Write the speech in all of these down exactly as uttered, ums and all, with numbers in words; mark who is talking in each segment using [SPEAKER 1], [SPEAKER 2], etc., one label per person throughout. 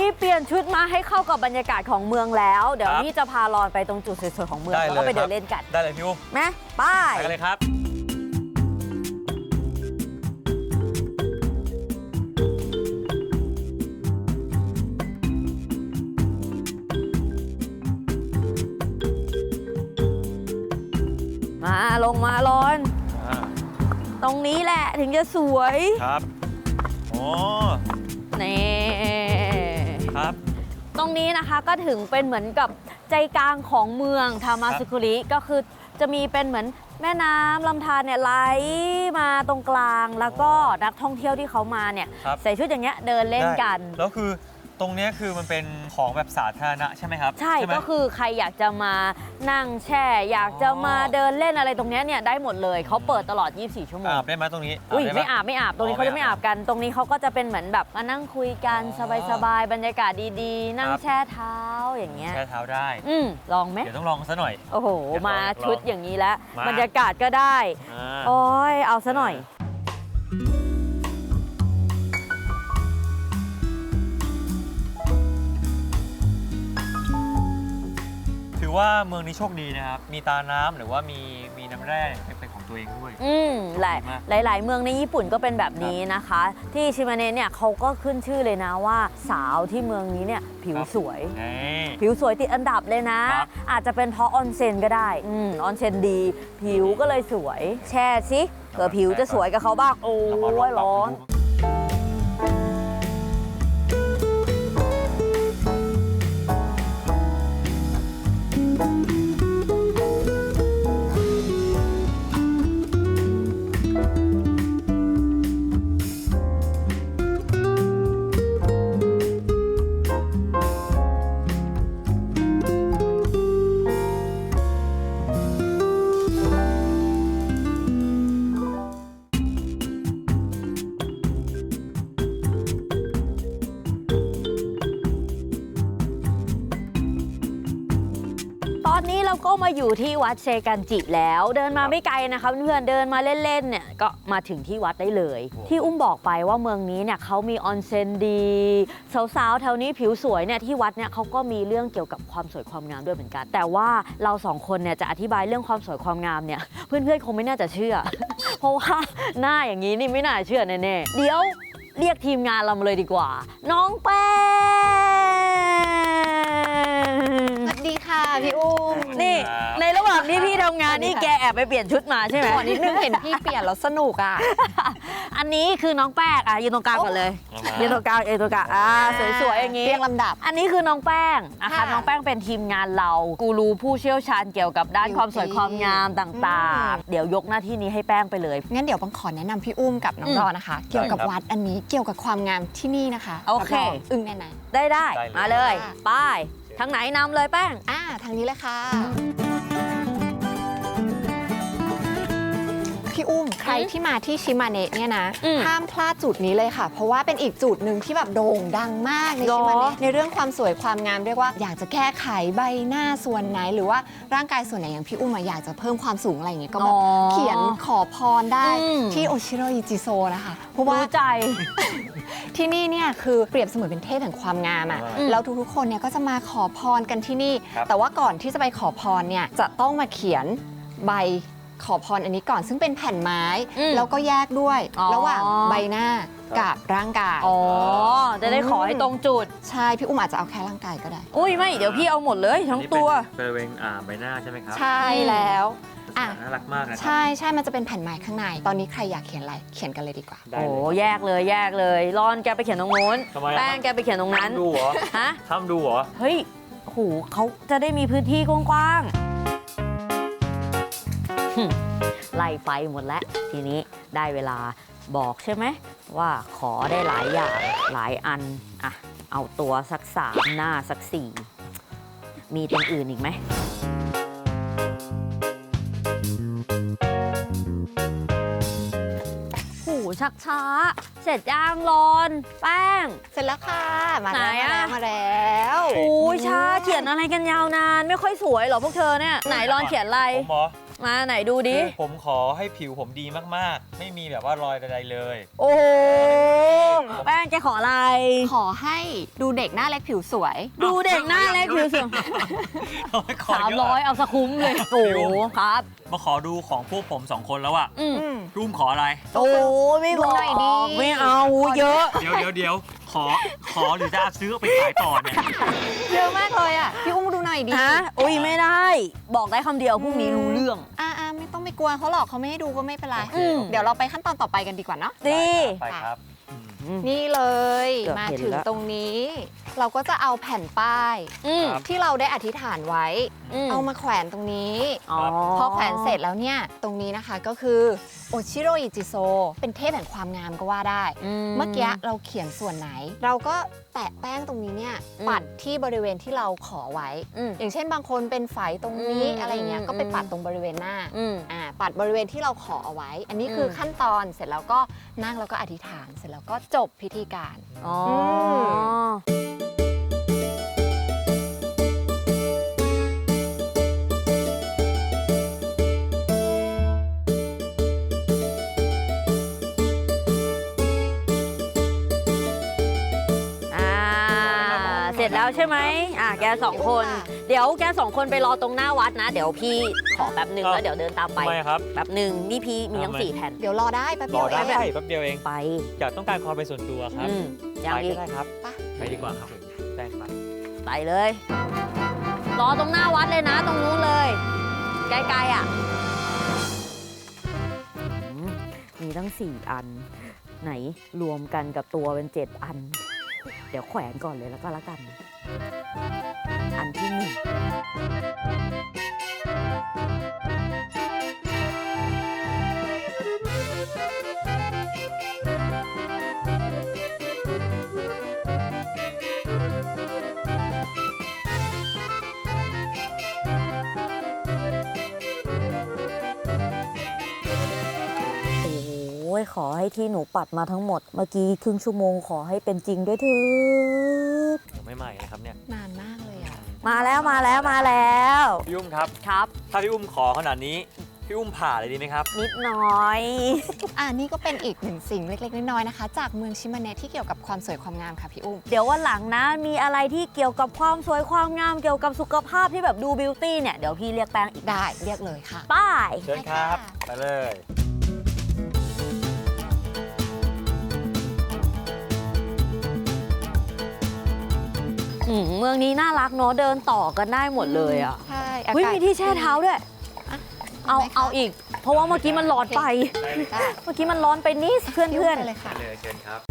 [SPEAKER 1] เปลี่ยนชุดมาให้เข้ากับบรรยากาศของเมืองแล้วเดี๋ยวพี่จะพารอนไปตรงจุดสวยๆของเมืองแล้วก็ไปเดินเล่นกัน
[SPEAKER 2] ได้เลยพี่อุ้ม
[SPEAKER 1] ไหมไป
[SPEAKER 2] ไปกันเลยครับ
[SPEAKER 1] มาลงมารอนตรงนี้แหละถึงจะสวย
[SPEAKER 2] ครับโอ้
[SPEAKER 1] นี่
[SPEAKER 2] ครับ
[SPEAKER 1] ตรงนี้นะคะก็ถึงเป็นเหมือนกับใจกลางของเมืองทามาสึคุริก็คือจะมีเป็นเหมือนแม่น้ำลำธารเนี่ยไหลมาตรงกลางแล้วก็นักท่องเที่ยวที่เขามาเนี่ยใส่ชุดอย่างเงี้ยเดินเล่นกัน
[SPEAKER 2] แล้วคือตรงนี้คือมันเป็นของแบบสาธารณะใช่ไหมครับ
[SPEAKER 1] ใช่ก็คือใครอยากจะมานั่งแช่อยากจะมาเดินเล่นอะไรตรงนี้เนี่ยได้หมดเลยเขาเปิดตลอดยี่สิบสี่ชั่วโมง
[SPEAKER 2] อาบได้ไหมตรงนี้
[SPEAKER 1] อุ้ยไม่อาบไม่อาบตรงนี้เขาจะไม่อาบกันตรงนี้เขาก็จะเป็นเหมือนแบบมานั่งคุยกันสบายๆบรรยากาศดีๆนั่งแช่เท้าอย่างเงี้ย
[SPEAKER 2] แช่เท้าได้
[SPEAKER 1] อืมลองไหม
[SPEAKER 2] เดี๋ยวต้องลองซะหน่อย
[SPEAKER 1] โอ้โหมาชุดอย่างนี้แล้วบรรยากาศก็ได้โอ้ยเอาซะหน่อย
[SPEAKER 2] ถือว่าเมืองนี้โชคดีนะครับมีตาน้ำหรือว่ามีมีน้ำแร่เป็นของตัวเองด้วย
[SPEAKER 1] อืมหลายหลายๆเมืองในญี่ปุ่นก็เป็นแบบนี้นะคะที่ชิมาเนะเนี่ยเขาก็ขึ้นชื่อเลยนะว่าสาวที่เมืองนี้เนี่ยผิวสวยผิวสวยติดอันดับเลยนะอาจจะเป็นเพราะออนเซ็นก็ได้อืมออนเซ็นดีผิวก็เลยสวยแช่สิเผื่อผิวจะสวยกับเขาบ้างโอ้ยร้อนตอนนี้เราก็มาอยู่ที่วัดเซกันจิแล้วเดินมาไม่ไกลนะคะเพื่อนๆเดินมาเล่นๆเนี่ยก็มาถึงที่วัดได้เลยที่อุ้มบอกไปว่าเมืองนี้เนี่ยเขามีออนเซ็นดีสาวๆแถวนี้ผิวสวยเนี่ยที่วัดเนี่ยเขาก็มีเรื่องเกี่ยวกับความสวยความงามด้วยเหมือนกันแต่ว่าเราสองคนเนี่ยจะอธิบายเรื่องความสวยความงามเนี่ยเพื่อนๆคงไม่น่าจะเชื่อ เพราะว่าหน้าอย่างนี้นี่ไม่น่าเชื่อแน่ๆเดี๋ยวเรียกทีมงานเรามาเลยดีกว่าน้องแป้ง
[SPEAKER 3] สวัสดีค่ะพี่อุ้ม
[SPEAKER 1] นี่ในระหว่างที่พี่ทำงานนี่แกแอบไปเปลี่ยนชุดมาใช่ไหม
[SPEAKER 3] วันนี้นึกเห็นพี่เปลี่ยนแล้วสนุกอ่ะ
[SPEAKER 1] อันนี้คือน้องแป้งอ่ะยืนตรงกลางก่อนเลยยืนตรงกลางยืนตรงกลางอ่าสวยๆอย่างนี้
[SPEAKER 3] เรียงลำดับ
[SPEAKER 1] อันนี้คือน้องแป้งนะคะน้องแป้งเป็นทีมงานเรากูรูผู้เชี่ยวชาญเกี่ยวกับด้านความสวยความงามต่างๆเดี๋ยวยกหน้าที่นี้ให้แป้งไปเลย
[SPEAKER 3] งั้นเดี๋ยวปังขอแนะนำพี่อุ้มกับน้องรอนะคะเกี่ยวกับวัดอันนี้เกี่ยวกับความงามที่นี่นะคะ
[SPEAKER 1] โอเค
[SPEAKER 3] อึ้งแน่น
[SPEAKER 1] ได้ได้มาเลยไปทางไหนนำเลยแป้ง
[SPEAKER 3] อ่าทางนี้เลยค่ะพี่อุ้มใครที่มาที่ชิมาเนะเนี่ยนะห้ามพลาดจุดนี้เลยค่ะเพราะว่าเป็นอีกจุดหนึ่งที่แบบโด่งดังมากในชิมาเนะในเรื่องความสวยความงามเรียกว่าอยากจะแก้ไขใบหน้าส่วนไหนหรือว่าร่างกายส่วนไหนอย่างพี่อุ้มอยากจะเพิ่มความสูงอะไรอย่างเงี้ยก็แบบเขียนขอพรได้ที่โอชิโรอิจิโซนะคะ
[SPEAKER 1] เพราะว่าใจ
[SPEAKER 3] ที่นี่เนี่ยคือเปรียบเสมือนเป็นเทพแห่งความงามอ่ะแล้วทุกๆคนเนี่ยก็จะมาขอพรกันที่นี่แต่ว่าก่อนที่จะไปขอพรเนี่ยจะต้องมาเขียนใบขอพรอันนี้ก่อนซึ่งเป็นแผ่นไม้แล้วก็แยกด้วยระหว่างใบหน้ากับร่างกาย
[SPEAKER 1] อ๋อจะได้ขอให้ตรงจุด
[SPEAKER 3] ใช่พี่อุ้มอาจจะเอาแค่ร่างกายก็ได้
[SPEAKER 1] อุ้ยไม่เดี๋ยวพี่เอาหมดเลยทั้งตัว
[SPEAKER 2] บริเวณใบหน้าใช่ไหมครับ
[SPEAKER 3] ใช่แล้ว
[SPEAKER 2] น่ารักมากนะ
[SPEAKER 3] ใช่ใช่มันจะเป็นแผ่นไม้ข้างในตอนนี้ใครอยากเขียนอะไรเขียนกันเลยดีกว่า
[SPEAKER 1] โอ้แยกเลยแยกเลยรอนแกไปเขียนตรงนู้นแป้งแกไปเขียนตรงนั้น
[SPEAKER 2] ดูเหรอ
[SPEAKER 1] ฮะ
[SPEAKER 2] ทำดูเหรอ
[SPEAKER 1] เฮ้ยโหเขาจะได้มีพื้นที่กว้างๆไล่ไปหมดแล้วทีนี้ได้เวลาบอกใช่ไหมว่าขอได้หลายอย่างหลายอันอ่ะเอาตัวสักสามหน้าสักสี่มีตรงอื่นอีกไหมโหชักช้าเสร็จย่างรอนแป้ง
[SPEAKER 3] เสร็จแล้วค่ะมาแล้วมาแล้ว
[SPEAKER 1] โอ้ยช้าเขียนอะไรกันยาวนานไม่ค่อยสวยหรอพวกเธอเนี่ยไหนรอนเขียนอะไร
[SPEAKER 2] ผมหรอ
[SPEAKER 1] มาไหนดูดิ
[SPEAKER 2] คือผมขอให้ผิวผมดีมากๆ ไม่มีแบบว่ารอยใดๆเลย
[SPEAKER 1] โอ้โหแป้งจะขออะไร
[SPEAKER 3] ขอให้ดูเด็กหน้าเล็กผิวสวย
[SPEAKER 1] ดูเด็กหน้าเล็กผิวสวย
[SPEAKER 2] เอาไว้ขอ
[SPEAKER 1] สาม
[SPEAKER 2] เย
[SPEAKER 1] ร้อย
[SPEAKER 2] อะ
[SPEAKER 1] เอาสะคุ้มเลย โอ้โหครับ
[SPEAKER 2] มาขอดูของพวกผมสองคนแล้วอะ
[SPEAKER 1] อืม
[SPEAKER 2] รุ่มขออะไร
[SPEAKER 1] โอ้ไม่บอก
[SPEAKER 3] ดูหน่อยดิ
[SPEAKER 1] ไม่เอาเยอะ
[SPEAKER 2] เดี๋ยวเดี๋ยวเดี๋ยวขอขอหรือจะซื้อเอาไปขายต่อเนี่ย
[SPEAKER 3] เยอะมากเลยอ่ะ พี่อุ้มดูหน่อยดิ
[SPEAKER 1] ฮะอุ้ยไม่ได้ บอกได้คำเดียวพรุ่งนี้รู้เรื่อง
[SPEAKER 3] อ่าอ่าไม่ต้องไปกลัวเขาหรอกเขาไม่ให้ดูก็ไม่เป็นไร
[SPEAKER 2] โอเค
[SPEAKER 3] เดี๋ยวเราไปขั้นตอนต่อไปกันดีกว่าเนาะ
[SPEAKER 1] ดี
[SPEAKER 2] ไปครับอืม
[SPEAKER 3] นี่เลย
[SPEAKER 1] เกือบ
[SPEAKER 3] มา
[SPEAKER 1] เห็น
[SPEAKER 3] ถึง
[SPEAKER 1] แล้ว
[SPEAKER 3] ตรงนี้ เราก็จะเอาแผ่นป้าย
[SPEAKER 1] อืม
[SPEAKER 2] ครับ
[SPEAKER 3] ที่เราได้อธิษฐานไว้
[SPEAKER 1] ม
[SPEAKER 3] เอามาแขวนตรงนี้
[SPEAKER 1] อ๋อ
[SPEAKER 3] พอแขวนเสร็จแล้วเนี่ย ตรงนี้นะคะก็คือโอชิโรอิจิโซเป็นเทพแห่งความงามก็ว่าได้ เมื่อกี้เราเขียนส่วนไหน เราก็แตะแป้งตรงนี้เนี่ย
[SPEAKER 1] อืม
[SPEAKER 3] ปัดที่บริเวณที่เราขอไว้
[SPEAKER 1] อืม
[SPEAKER 3] อย่างเช่นบางคนเป็นไฝตรงนี้
[SPEAKER 1] อืม
[SPEAKER 3] อะไรอย่างเงี้ย
[SPEAKER 1] อืม
[SPEAKER 3] ก็ไปปัดตรงบริเวณหน้า
[SPEAKER 1] อืม
[SPEAKER 3] อ่าปัดบริเวณที่เราขอเอาไว้ อันนี้คืออ
[SPEAKER 1] ม
[SPEAKER 3] ขั้นตอนเสร็จแล้วก็นั่งแล้วก็อธิษฐานเสร็จแล้วก็จบพิธีการ
[SPEAKER 1] อ๋อออ่าเสร็จแล้วใช่ไหมอ่าแกสองคน เดี๋ยวแกสองคนไปรอตรงหน้าวัดนะ เดี๋ยวพี่ขอแป๊บหนึ่งแล้วเดี๋ยวเดินตามไป
[SPEAKER 2] ทำไมครับ
[SPEAKER 1] แป๊บหนึ่งนี่พี่มีทั้ง
[SPEAKER 2] ทำไม
[SPEAKER 1] สี่แผ่น
[SPEAKER 3] เดี๋ยวรอได้แป๊บ
[SPEAKER 2] ร
[SPEAKER 3] เดี
[SPEAKER 2] อ
[SPEAKER 3] ยว
[SPEAKER 2] ได้
[SPEAKER 3] เอง
[SPEAKER 2] แป๊บเดียวเอง
[SPEAKER 1] ไป
[SPEAKER 2] อยากต้องการความเป็นส่วนตัวครับ
[SPEAKER 1] อืมยัง
[SPEAKER 2] ไป
[SPEAKER 1] อี
[SPEAKER 2] ก็
[SPEAKER 1] ก
[SPEAKER 2] ได้ครับ
[SPEAKER 3] ไป
[SPEAKER 2] ไปดีกว่าครับแป้งไป
[SPEAKER 1] ไปเลย รอตรงหน้าวัดเลยนะ ตรงนู้นเลย ใกล้ๆอ่ะอืมมีตั้งสี่อัน ไหนรวมกันกับตัวเป็นเจ็ดอัน เดี๋ยวแขวนก่อนเลยแล้วก็แล้วกัน อันที่หนึ่ง โอ้ยขอให้ที่หนูปัดมาทั้งหมด เมื่อกี้ครึ่งชั่วโมงขอให้เป็นจริงด้วยเถิด
[SPEAKER 2] ผมไม่ใหม่นะครับเนี่ย
[SPEAKER 3] นานมากเลยอ่ะ
[SPEAKER 1] มาแล้วมาแล้วมาแล้ว
[SPEAKER 2] พี่อุ้มครับ
[SPEAKER 1] ครับ
[SPEAKER 2] ถ้าพี่อุ้มขอขนาดนี้ พี่อุ้มผ่าเลยดีไหมครับ
[SPEAKER 1] นิดหน่อย
[SPEAKER 3] อ่านี่ก็เป็นอีกหนึ่งสิ่งเล็กๆน้อยๆนะคะ จากเมืองชิมาเนะที่เกี่ยวกับความสวยความงามค่ะพี่อุ้ม
[SPEAKER 1] เดี๋ยววันหลังนะ มีอะไรที่เกี่ยวกับความสวยความงามเกี่ยวกับสุขภาพที่แบบดูบิวตี้เนี่ย เดี๋ยวพี่เรียกแป้งอีก
[SPEAKER 3] ได้เรียกเลยค่ะ
[SPEAKER 1] ป้าย
[SPEAKER 2] เชิญครับ ไปเลย
[SPEAKER 1] อืมเมืองนี้น่ารักเนาะเดินต่อกันได้หมดเลยอ่ะ
[SPEAKER 3] ใช่
[SPEAKER 1] เฮ้ย
[SPEAKER 3] อากาศ
[SPEAKER 1] มีที่แช่เท้าด้วย เอา
[SPEAKER 3] ไหมคะ
[SPEAKER 1] เอาอีก เพราะว่าเมื่อกี้มันร้อนไป
[SPEAKER 3] ได้
[SPEAKER 1] เมื่อกี้มันร้อนไปนิดเพื่อน
[SPEAKER 3] พี่
[SPEAKER 1] เพื่
[SPEAKER 3] อุ้
[SPEAKER 1] อน
[SPEAKER 3] มไปเลยค่ะ
[SPEAKER 2] ไปเลยเชิญครับ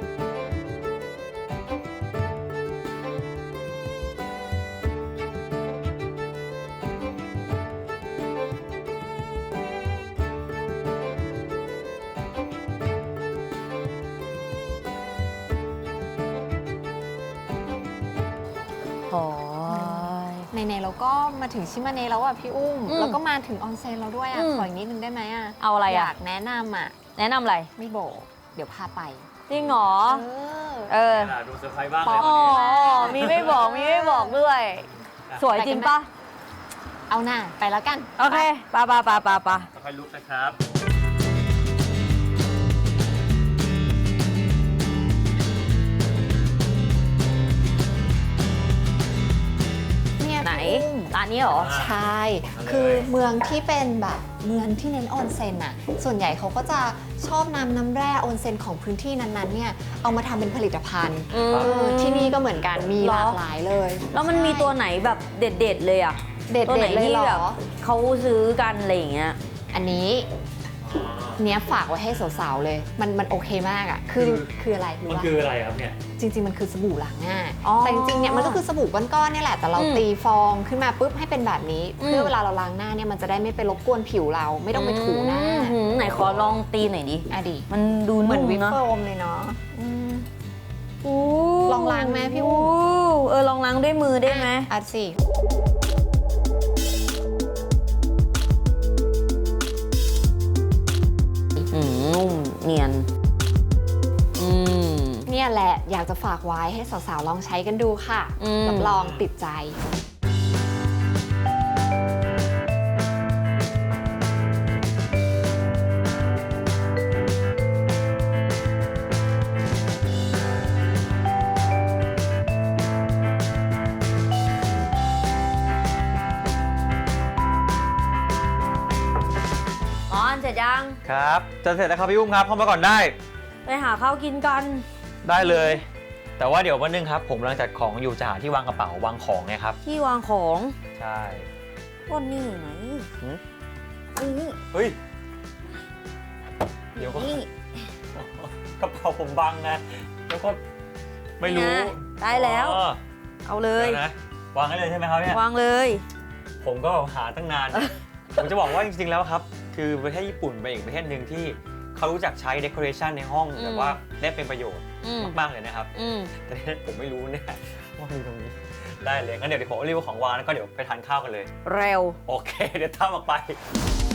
[SPEAKER 1] โอ้ย
[SPEAKER 3] ในๆเราก็มาถึงชิมาเนะแล้วอ่ะพี่อุ้ม
[SPEAKER 1] อืม
[SPEAKER 3] แล้วก็มาถึงออนเซ็นแล้วด้วยอ่ะ
[SPEAKER 1] อืม
[SPEAKER 3] ขออีกนิดนึงได้ไหมอ่ะ
[SPEAKER 1] เอาอะไร
[SPEAKER 3] อ
[SPEAKER 1] อ่ะ
[SPEAKER 3] ยากแนะนำอ่ะ
[SPEAKER 1] แนะนำอะไร
[SPEAKER 3] ไม่โบกเดี๋ยวพาไป
[SPEAKER 1] จริงเหรอ
[SPEAKER 3] เออ
[SPEAKER 1] เออ
[SPEAKER 2] ดูเซอร์ไพรส์บ้าง
[SPEAKER 3] ป๊
[SPEAKER 2] เล
[SPEAKER 3] อป
[SPEAKER 2] ย
[SPEAKER 1] อ๋อ มีไม่บอก มีไม่บอกด้วย สวยจริงปะ
[SPEAKER 3] เอาหน้าไปแล้วกัน
[SPEAKER 1] โอเคปะปะปะปะปะ
[SPEAKER 2] ค่อยลุกนะครับ
[SPEAKER 3] เนี่ย
[SPEAKER 1] ไหน
[SPEAKER 3] พี่อุ้ม
[SPEAKER 1] ร้านนี้เหรอ
[SPEAKER 3] ใช่ คือเมืองที่เป็นแบบเมืองที่เน้นออนเซ็นอ่ะ ส่วนใหญ่เขาก็จะชอบนำน้ำแร่ออนเซ็นของพื้นที่นั้นๆเนี่ย เอามาทำเป็นผลิตภัณฑ์
[SPEAKER 1] อืม
[SPEAKER 3] เออที่นี่ก็เหมือนกัน มี
[SPEAKER 1] เหร
[SPEAKER 3] ห
[SPEAKER 1] อ
[SPEAKER 3] ลากหลายเลย
[SPEAKER 1] แล้วมันมีตัวไหนแบบเด็ดๆเลยอ่ะ
[SPEAKER 3] เด็ด
[SPEAKER 1] ตัวไหน
[SPEAKER 3] ๆเลย
[SPEAKER 1] ที่
[SPEAKER 3] เหร
[SPEAKER 1] แบ
[SPEAKER 3] อ
[SPEAKER 1] บเขาซื้อกันอะไรอย่างเงี้ย
[SPEAKER 3] อันนี้เนี้ยฝากไว้ให้สาวๆเลย มันมันโอเคมากอ่ะ คือ
[SPEAKER 2] คือ
[SPEAKER 3] คืออะไรรู้
[SPEAKER 2] มัน
[SPEAKER 3] ปะ
[SPEAKER 2] คืออะไรครับเนี่ย
[SPEAKER 3] จริง ๆ มันคือสบู่ล้างหน้า
[SPEAKER 1] อ๋อ
[SPEAKER 3] แต่จริงๆเนี่ยมันก็คือสบู่ก้อนๆเนี่ยแหละ แต่เรา
[SPEAKER 1] อืม
[SPEAKER 3] ตีฟองขึ้นมาปุ๊บให้เป็นแบบนี้
[SPEAKER 1] อืม
[SPEAKER 3] เพื่อเวลาเราล้างหน้าเนี่ยมันจะได้ไม่ไปรบกวนผิวเรา ไม่ต้องไปถูหน้า
[SPEAKER 1] อืมไหนขอลองตีหน่อยดิ
[SPEAKER 3] อ่ะดิ
[SPEAKER 1] มันดู
[SPEAKER 3] เหมื
[SPEAKER 1] นุ่
[SPEAKER 3] อน
[SPEAKER 1] ม
[SPEAKER 3] วิป
[SPEAKER 1] เนาะ
[SPEAKER 3] โฟมเลยเนาะอืม
[SPEAKER 1] อู้
[SPEAKER 3] ลองล้างไหมพี่อุ้ม
[SPEAKER 1] เออลองล้างด้วยมือได้ไหม
[SPEAKER 3] อ่ะสิ
[SPEAKER 1] อืมนุ่มเนียน อืม
[SPEAKER 3] เนี่ยแหละอยากจะฝากไว้ให้สาวๆลองใช้กันดูค่ะ
[SPEAKER 1] อืม
[SPEAKER 3] รับรองติดใจ
[SPEAKER 1] ยัง
[SPEAKER 2] ครับจะเสร็จแล้วครับพี่อุ้มครับเข้ามาก่อนได้
[SPEAKER 1] ไปหาข้าวกินกัน
[SPEAKER 2] ได้เลย แต่ว่าเดี๋ยววันนึงครับผมกำลังจัดของอยู่จะหาที่วางกระเป๋าวางของไงครับ
[SPEAKER 1] ที่วางของ
[SPEAKER 2] ใช่
[SPEAKER 1] วันนี้ไหน
[SPEAKER 2] หืม
[SPEAKER 1] นี่
[SPEAKER 2] เฮ้ยเดี๋ยวก็
[SPEAKER 1] นี่
[SPEAKER 2] กระเป๋าผมบังนะแล้วก็ไม่รู้
[SPEAKER 1] นี่นะได้แล้ว
[SPEAKER 2] อ๋อ
[SPEAKER 1] เอาเลย
[SPEAKER 2] ดี๋วนะวางได้เลยใช่ไหมครับเนี่ยว
[SPEAKER 1] างเลย
[SPEAKER 2] ผมก็หาตั้งนาน ผมจะบอกว่าจริงๆแล้วครับ คือประเทศญี่ปุ่นเป็นอีกประเทศหนึ่งที่เขารู้จักใช้ decoration ในห้อง
[SPEAKER 1] อืม
[SPEAKER 2] แบบว่าได้เป็นประโยชน์
[SPEAKER 1] อืม
[SPEAKER 2] มากๆเลยนะครับ
[SPEAKER 1] อืม
[SPEAKER 2] แต่เนี่ยผมไม่รู้เนี่ยว่ามีตรงนี้ได้เลยงั้นเดี๋ยวผมรีบเอาของวางแล้วก็เดี๋ยวไปทานข้าวกันเลย
[SPEAKER 1] เร็ว
[SPEAKER 2] โอเค เดี๋ยวตามออกไป